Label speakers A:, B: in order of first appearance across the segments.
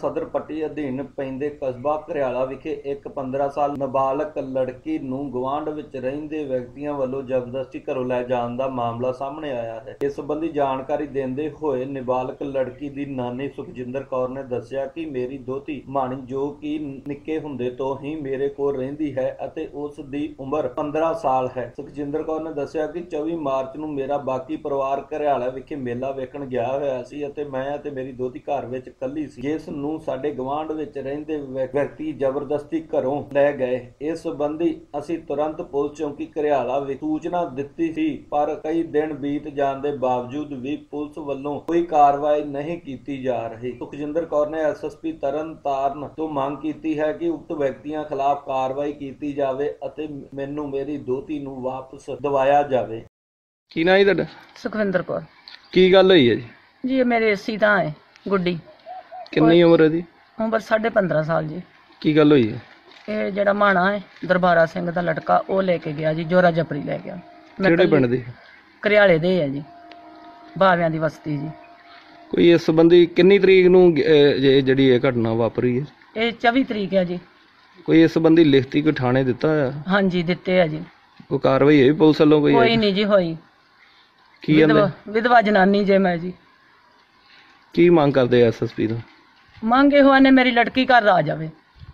A: ਸਦਰ ਪੱਟੀ ਅਧੀਨ ਪੈਂਦੇ ਕਸਬਾ ਘਰਿਆਲਾ ਵਿਖੇ ਇੱਕ 15 ਸਾਲ ਨਾਬਾਲਗ ਲੜਕੀ ਨੂੰ ਗੁਆਂਢ ਵਿੱਚ ਰਹਿੰਦੇ ਵਿਅਕਤੀਆਂ ਵੱਲੋਂ ਜ਼ਬਰਦਸਤੀ ਘਰੋਂ ਲੈ ਜਾਣ ਦਾ ਮਾਮਲਾ ਸਾਹਮਣੇ ਆਇਆ ਹੈ। ਇਸ ਸੰਬੰਧੀ ਜਾਣਕਾਰੀ ਦਿੰਦੇ ਹੋਏ ਨਾਬਾਲਗ ਲੜਕੀ ਦੀ ਨਾਨੀ ਸੁਖਜਿੰਦਰ ਕੌਰ ਨੇ ਦੱਸਿਆ ਕਿ ਮੇਰੀ ਦੋਹਤੀ ਮਾਣੀ ਜੋ ਕਿ ਨਿੱਕੇ ਹੁੰਦੇ ਤੋਂ ਹੀ ਮੇਰੇ ਕੋਲ ਰਹਿੰਦੀ ਹੈ ਅਤੇ ਉਸ ਦੀ ਉਮਰ 15 ਸਾਲ ਹੈ। ਸੁਖਜਿੰਦਰ ਕੌਰ ਨੇ ਦੱਸਿਆ ਕਿ 24 ਮਾਰਚ ਨੂੰ ਮੇਰਾ ਬਾਕੀ ਪਰਿਵਾਰ ਘਰਿਆਲਾ ਵਿਖੇ ਮੇਲਾ ਵੇਖਣ ਗਿਆ ਹੋਇਆ ਸੀ ਅਤੇ ਮੈਂ ਅਤੇ ਮੇਰੀ ਦੋਹਤੀ ਘਰ ਵਿੱਚ ਇਕੱਲੀ ਸੀ, ਜਿਸ ਨੂੰ ਸਾਡੇ ਗੁਆਂਢ ਵਿੱਚ ਰਹਿੰਦੇ ਵਿਅਕਤੀ ਜ਼ਬਰਦਸਤੀ ਘਰੋਂ ਲੈ ਗਏ। ਇਸ ਸੰਬੰਧੀ ਅਸੀਂ ਤੁਰੰਤ ਪੁਲਿਸ ਚੌਂਕੀ ਘਰਿਆਲਾ ਵਿੱਚ ਸੂਚਨਾ ਦਿੱਤੀ ਸੀ, ਪਰ ਕਈ ਦਿਨ ਬੀਤ ਜਾਣ ਦੇ ਬਾਵਜੂਦ ਵੀ ਪੁਲਿਸ ਵੱਲੋਂ ਕੋਈ ਕਾਰਵਾਈ ਨਹੀਂ ਕੀਤੀ ਜਾ ਰਹੀ। ਸੁਖਜਿੰਦਰ ਕੌਰ ਨੇ ਐਸਐਸਪੀ ਤਰਨਤਾਰਨ ਤੋਂ ਮੰਗ ਕੀਤੀ ਹੈ ਕਿ ਉਕਤ ਵਿਅਕਤੀਆਂ ਖਿਲਾਫ ਕਾਰਵਾਈ ਕੀਤੀ ਜਾਵੇ ਅਤੇ ਮੈਨੂੰ ਮੇਰੀ ਦੋਹਤੀ ਨੂੰ ਵਾਪਸ ਦਿਵਾਇਆ ਜਾਵੇ।
B: ਕੀ ਨਾਂ ਹੈ ਤੁਹਾਡਾ?
C: ਸੁਖਵਿੰਦਰ ਕੌਰ।
B: ਕੀ ਗੱਲ ਹੋਈ ਹੈ ਜੀ?
C: ਜੀ ਇਹ ਮੇਰੇ ਸੀਤਾ ਹੈ ਗੁੱਡੀ।
B: ਕਿੰਨੀ ਉਮਰ ਹੈ ਦੀ?
C: ਉਮਰ 15.5 ਸਾਲ ਜੀ।
B: ਕੀ ਗੱਲ ਹੋਈ ਹੈ?
C: ਇਹ ਜਿਹੜਾ ਮਾਣਾ ਹੈ ਦਰਬਾਰਾ ਸਿੰਘ ਦਾ ਲੜਕਾ, ਉਹ ਲੈ ਕੇ ਗਿਆ ਜੀ, ਜੋਰਾ ਜਪਰੀ ਲੈ ਗਿਆ।
B: ਕਿਹੜੇ ਪਿੰਡ ਦੇ?
C: ਘਰਿਆਲੇ ਦੇ ਹੈ ਜੀ, ਬਾਵਿਆਂ ਦੀ ਬਸਤੀ ਜੀ।
B: ਕੋਈ ਇਸ ਸੰਬੰਧੀ ਕਿੰਨੀ ਤਰੀਕ ਨੂੰ ਜਿਹੜੀ ਇਹ ਘਟਨਾ ਵਾਪਰੀ ਹੈ?
C: ਇਹ 24 ਤਰੀਕ ਹੈ ਜੀ।
B: ਕੋਈ ਇਸ ਸੰਬੰਧੀ ਲਿਖਤੀ ਕੋਈ ਥਾਣੇ ਦਿੱਤਾ ਹੋਇਆ?
C: ਹਾਂਜੀ ਦਿੱਤੇ ਆ ਜੀ।
B: ਕੋਈ ਕਾਰਵਾਈ ਹੋਈ ਪੁਲਿਸ ਵੱਲੋਂ?
C: ਕੋਈ ਨਹੀਂ ਜੀ ਹੋਈ।
B: ਕੀ
C: ਵਿਧਵਾ ਜਨਾਨੀ ਜੇ ਮੈਂ ਜੀ।
B: ਕੀ ਮੰਗ ਕਰਦੇ ਐਸਐਸਪੀ ਤੋਂ?
C: ਮੰਗ ਇਹੋ ਨੇ ਮੇਰੀ ਲੜਕੀ ਘਰ ਆ ਜਾਵੇ,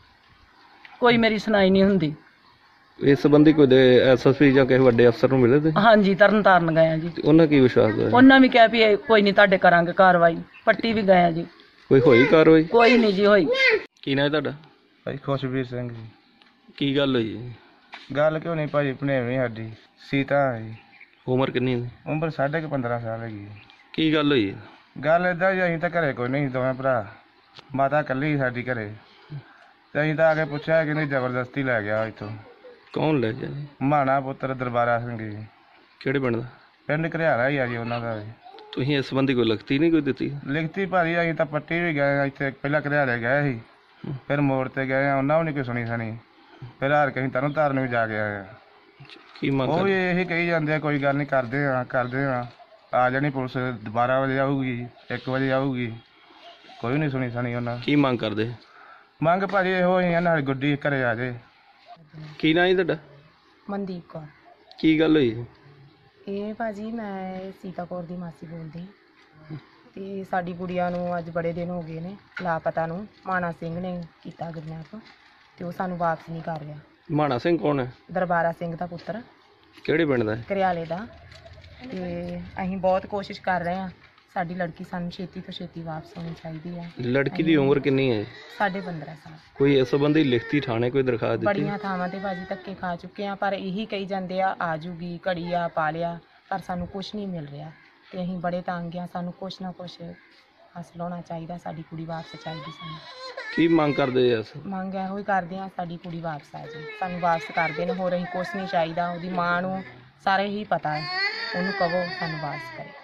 C: ਕੋਈ ਮੇਰੀ ਸੁਣਾਈ ਨਹੀਂ ਹੁੰਦੀ।
B: ਇਸ ਸੰਬੰਧੀ ਕੋਈ ਐਸਐਸਪੀ ਜਾਂ ਕਿਸੇ ਵੱਡੇ ਅਫਸਰ ਨੂੰ ਮਿਲੇ ਤੇ?
C: ਹਾਂਜੀ ਤਰਨਤਾਰਨ ਗਏ ਆ ਜੀ।
B: ਉਹਨਾਂ ਕੀ ਵਿਸ਼ਵਾਸ ਦਵਾਇਆ?
C: ਉਹਨਾਂ ਵੀ ਕਿਹਾ ਵੀ ਇਹ ਕੋਈ ਨਹੀਂ ਤੁਹਾਡੇ ਕਰਾਂਗੇ ਕਾਰਵਾਈ। ਪੱਟੀ ਵੀ ਗਏ ਆ ਜੀ।
B: ਕੋਈ ਹੋਈ ਕਾਰਵਾਈ?
C: ਕੋਈ ਨਹੀਂ ਜੀ ਹੋਈ।
B: ਕੀ ਨਾਂ ਹੈ ਤੁਹਾਡਾ?
D: ਭਾਈ ਖੁਸ਼ਬੀਰ ਸਿੰਘ ਜੀ।
B: ਕੀ ਗੱਲ ਹੋਈ ਹੈ?
D: ਗੱਲ ਕਿਉਂ ਨਹੀਂ ਭਾਜੀ, ਭਣੇਵੀਂ ਸਾਡੀ ਸੀਤਾ ਜੀ।
B: ਉਮਰ ਕਿੰਨੀ ਹੈ?
D: ਉਮਰ 15.5 ਸਾਲ ਹੈਗੀ।
B: ਕੀ ਗੱਲ ਹੋਈ ਹੈ?
D: ਗੱਲ ਇੱਦਾਂ ਜੀ, ਅਸੀਂ ਤਾਂ ਘਰੇ ਕੋਈ ਨਹੀਂ, ਦੋਵੇਂ ਭਰਾ, ਮਾਤਾ ਇਕੱਲੀ ਸਾਡੀ ਘਰੇ, ਤੇ ਅਸੀਂ ਤਾਂ ਆ ਕੇ ਪੁੱਛਿਆ ਕਿ ਨਹੀਂ ਜ਼ਬਰਦਸਤੀ ਲੈ ਗਿਆ ਇੱਥੋਂ।
B: ਕੌਣ ਲੈ ਗਿਆ ਜੀ?
D: ਮਾਣਾ ਪੁੱਤਰ ਦਰਬਾਰਾ ਸਿੰਘ ਜੀ।
B: ਕਿਹੜੇ ਪਿੰਡ ਦਾ?
D: ਪਿੰਡ ਘਰਿਆਲਾ ਹੀ ਆ ਜੀ ਉਹਨਾਂ ਦਾ।
B: ਤੁਸੀਂ ਇਸ ਸੰਬੰਧੀ ਕੋਈ ਲਿਖਤੀ ਨਹੀਂ ਕੋਈ ਦਿੱਤੀ?
D: ਲਿਖਤੀ ਭਾਜੀ ਅਸੀਂ ਤਾਂ ਪੱਟੀ ਵੀ ਗਏ, ਇੱਥੇ ਪਹਿਲਾਂ ਘਰਿਆਲੇ ਗਏ ਸੀ, ਫਿਰ ਮੋੜ ਤੇ ਗਏ ਆ, ਉਹਨਾਂ ਵੀ ਨਹੀਂ ਕੋਈ ਸੁਣੀ ਸਣੀ, ਫਿਰ ਹਾਰ ਕੇ ਅਸੀਂ ਤਰਨਤਾਰਨ ਵੀ ਜਾ ਕੇ ਆਏ ਆ।
B: ਕੀ ਮੰਗ?
D: ਉਹ ਵੀ ਇਹੀ ਕਹੀ ਜਾਂਦੇ ਆ ਕੋਈ ਗੱਲ ਨਹੀਂ, ਕਰਦੇ ਆ ਆ ਜਾਣੀ ਪੁਲਿਸ, 12 ਵਜੇ ਆਊਗੀ, 1 ਵਜੇ ਆਊਗੀ, ਕੋਈ ਨਹੀਂ ਸੁਣੀ ਸਣੀ ਉਹਨਾਂ।
B: ਕੀ ਮੰਗ ਕਰਦੇ?
D: ਮੰਗ ਭਾਜੀ ਇਹੋ ਹੀ ਆ, ਨਾਲ ਗੁੱਡੀ ਘਰੇ ਆ ਜੇ।
B: ਕੀ ਨਾਂ ਹੈ ਤੁਹਾਡਾ?
E: ਮਨਦੀਪ ਕੌਰ।
B: ਕੀ ਗੱਲ ਹੋਈ?
E: ਇਹ ਭਾਜੀ ਮੈਂ ਸੀਤਾ ਕੌਰ ਦੀ ਮਾਸੀ ਬੋਲਦੀ, ਤੇ ਸਾਡੀ ਗੁੜੀਆ ਨੂੰ ਅੱਜ ਬੜੇ ਦਿਨ ਹੋ ਗਏ ਨੇ ਲਾਪਤਾ ਨੂੰ। ਮਾਣਾ ਸਿੰਘ ਨੇ ਕੀਤਾ ਕਿਡਨੈਪ ਤੇ ਉਹ ਸਾਨੂੰ ਵਾਪਸ ਨਹੀਂ ਕਰ ਰਿਹਾ।
B: ਮਾਣਾ ਸਿੰਘ ਕੌਣ ਹੈ?
E: ਦਰਬਾਰਾ ਸਿੰਘ ਦਾ ਪੁੱਤਰ।
B: ਕਿਹੜੇ ਪਿੰਡ ਦਾ?
E: ਘਰਿਆਲੇ ਦਾ। ਤੇ ਅਸੀਂ ਬਹੁਤ ਕੋਸ਼ਿਸ਼ ਕਰ ਰਹੇ ਹਾਂ, ਸਾਡੀ ਲੜਕੀ ਸਾਨੂੰ ਛੇਤੀ ਤੋਂ ਛੇਤੀ ਵਾਪਸ ਹੋਣੀ ਚਾਹੀਦੀ ਹੈ।
B: ਲੜਕੀ ਦੀ ਉਮਰ ਕਿੰਨੀ ਹੈ?
E: 15.5 ਸਾਲ।
B: ਕੋਈ ਇਸ ਸੰਬੰਧੀ ਲਿਖਤੀ ਥਾਣੇ ਕੋਈ ਦਰਖਾਸਤ ਦਿੱਤੀ?
E: ਬੜੀਆਂ ਥਾਵਾਂ ਤੇ ਭਾਜੀ ਧੱਕੇ ਖਾ ਚੁੱਕੇ ਆ, ਪਰ ਇਹੀ ਕਹੀ ਜਾਂਦੇ ਆ ਜੂਗੀ, ਘੜੀ ਆ, ਪਾ ਲਿਆ, ਪਰ ਸਾਨੂੰ ਕੁਛ ਨਹੀਂ ਮਿਲ ਰਿਹਾ ਤੇ ਅਸੀਂ ਬੜੇ ਤੰਗ ਆ। ਸਾਨੂੰ ਕੁਛ ਨਾ ਕੁਛ ਹਾਸਲ ਹੋਣਾ ਚਾਹੀਦਾ, ਸਾਡੀ ਕੁੜੀ ਵਾਪਸ ਚਾਹੀਦੀ ਸਾਨੂੰ।
B: ਕੀ ਮੰਗ ਕਰਦੇ ਐ?
E: ਮੰਗ ਇਹੋ ਹੀ ਕਰਦੇ ਆ, ਸਾਡੀ ਕੁੜੀ ਵਾਪਸ ਆ ਜਾਏ, ਸਾਨੂੰ ਵਾਪਸ ਕਰ ਦੇਣ, ਹੋਰ ਅਸੀਂ ਕੁਛ ਨਹੀਂ ਚਾਹੀਦਾ। ਉਹਦੀ ਮਾਂ ਨੂੰ ਸਾਰੇ ਹੀ ਪਤਾ ਹੈ, ਉਹਨੂੰ ਕਹੋ ਸਾਨੂੰ ਵਾਪਸ ਕਰੇ।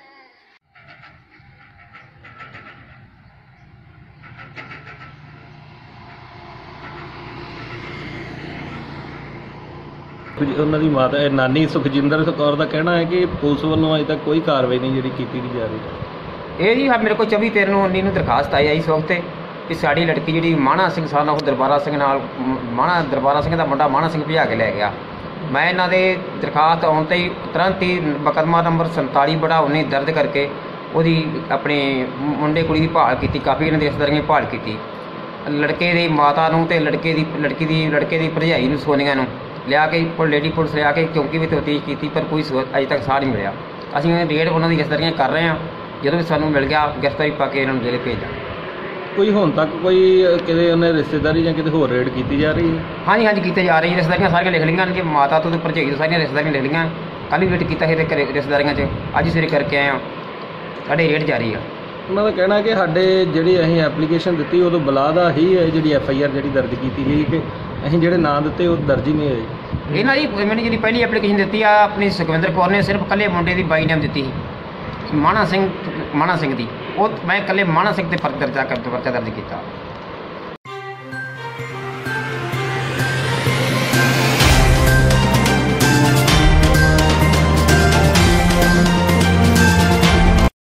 B: ਉਹਨਾਂ ਦੀ ਮਾਤਾ ਨਾਨੀ ਸੁਖਜਿੰਦਰ ਕੌਰ ਦਾ ਕਹਿਣਾ ਹੈ ਕਿ ਪੁਲਿਸ ਵੱਲੋਂ ਅਜੇ ਤੱਕ ਕੋਈ ਕਾਰਵਾਈ ਨਹੀਂ ਜਿਹੜੀ ਕੀਤੀ ਜਾ ਰਹੀ।
F: ਇਹ ਜੀ ਮੇਰੇ ਕੋਲ 24/13/19 ਨੂੰ ਦਰਖਾਸਤ ਆਈ ਇਸ ਵਕਤ ਕਿ ਸਾਡੀ ਲੜਕੀ ਜਿਹੜੀ ਮਾਣਾ ਸਿੰਘ ਸਾਨਾ ਉਹ ਦਰਬਾਰਾ ਸਿੰਘ ਨਾਲ ਦਰਬਾਰਾ ਸਿੰਘ ਦਾ ਮੁੰਡਾ ਮਾਣਾ ਸਿੰਘ ਭਜਾ ਕੇ ਲੈ ਗਿਆ। ਮੈਂ ਇਹਨਾਂ ਦੇ ਦਰਖਾਸਤ ਆਉਣ 'ਤੇ ਹੀ ਤੁਰੰਤ ਹੀ ਮੁਕੱਦਮਾ ਨੰਬਰ 47/19 ਦਰਜ ਕਰਕੇ ਉਹਦੀ ਆਪਣੇ ਮੁੰਡੇ ਕੁੜੀ ਦੀ ਭਾਲ ਕੀਤੀ। ਕਾਫੀ ਇਹਨਾਂ ਦੀ ਰਿਸ਼ਤੇਦਾਰੀਆਂ ਦੀ ਭਾਲ ਕੀਤੀ। ਲੜਕੇ ਦੀ ਮਾਤਾ ਨੂੰ ਅਤੇ ਲੜਕੇ ਦੀ ਭਰਜਾਈ ਨੂੰ ਸੋਨੀਆ ਨੂੰ ਲਿਆ ਕੇ ਲੇਡੀ ਪੁਲਿਸ ਲਿਆ ਕੇ ਚੌਂਕੀ ਵਿੱਚ ਤਫਤੀਸ਼ ਕੀਤੀ, ਪਰ ਕੋਈ ਅਜੇ ਤੱਕ ਸਾਹ ਨਹੀਂ ਮਿਲਿਆ। ਅਸੀਂ ਰੇਡ ਉਹਨਾਂ ਦੀ ਰਿਸ਼ਤੇਦਾਰੀਆਂ ਕਰ ਰਹੇ ਹਾਂ, ਜਦੋਂ ਵੀ ਸਾਨੂੰ ਮਿਲ ਗਿਆ ਗ੍ਰਿਫਤਾਰੀ ਪਾ ਕੇ ਇਹਨਾਂ ਨੂੰ ਜੇਲ੍ਹ ਭੇਜਾਂ।
B: ਕੋਈ ਹੁਣ ਤੱਕ ਕੋਈ ਕਿਤੇ ਉਹਨੇ ਰਿਸ਼ਤੇਦਾਰੀ ਜਾਂ ਕਿਤੇ ਹੋਰ ਰੇਡ ਕੀਤੀ ਜਾ ਰਹੀ ਹੈ?
F: ਹਾਂਜੀ ਕੀਤੀ ਜਾ ਰਹੀ ਹੈ। ਰਿਸ਼ਤੇਦਾਰੀਆਂ ਸਾਰੀਆਂ ਲਿਖ ਲਈਆਂ ਨੇ ਜੀ, ਮਾਤਾ ਤੋਂ ਭਰਜਾਈ ਤੋਂ ਸਾਰੀਆਂ ਰਿਸ਼ਤੇਦਾਰੀਆਂ ਲਿਖ ਲਈਆਂ। ਕੱਲ੍ਹ ਵੀ ਵੇਟ ਕੀਤਾ ਸੀ ਤੇ ਰਿਸ਼ਤੇਦਾਰੀਆਂ 'ਚ, ਅੱਜ ਸਵੇਰੇ ਕਰਕੇ ਆਏ ਹਾਂ, ਸਾਡੇ ਰੇਡ ਜਾਰੀ ਆ।
B: ਉਹਨਾਂ ਦਾ ਕਹਿਣਾ ਕਿ ਸਾਡੇ ਜਿਹੜੀ ਅਸੀਂ ਐਪਲੀਕੇਸ਼ਨ ਦਿੱਤੀ ਉਦੋਂ ਬੁਲਾਦਾ ਹੀ ਹੈ ਜਿਹੜੀ FIR ਜਿਹੜੀ ਦਰਜ ਕੀਤੀ ਗਈ ਕਿ ਅਸੀਂ ਜਿਹੜੇ ਨਾਂ ਦਿੱਤੇ ਉਹ ਦਰਜ ਹੀ ਨਹੀਂ ਹੋਏ।
F: ਇਹਨਾਂ ਦੀ ਮੈਨੂੰ ਜਿਹੜੀ ਪਹਿਲੀ ਐਪਲੀਕੇਸ਼ਨ ਦਿੱਤੀ ਆ ਆਪਣੀ ਸੁਖਵਿੰਦਰ ਕੌਰ ਨੇ, ਸਿਰਫ ਇਕੱਲੇ ਮੁੰਡੇ ਦੀ ਬਾਈ ਨੇਮ ਦਿੱਤੀ ਸੀ ਮਾਣਾ ਸਿੰਘ ਦੀ, ਉਹ ਮੈਂ ਇਕੱਲੇ ਮਾਣਾ ਸਿੰਘ ਤੇ ਪਰਚਾ ਦਰਜ ਕੀਤਾ।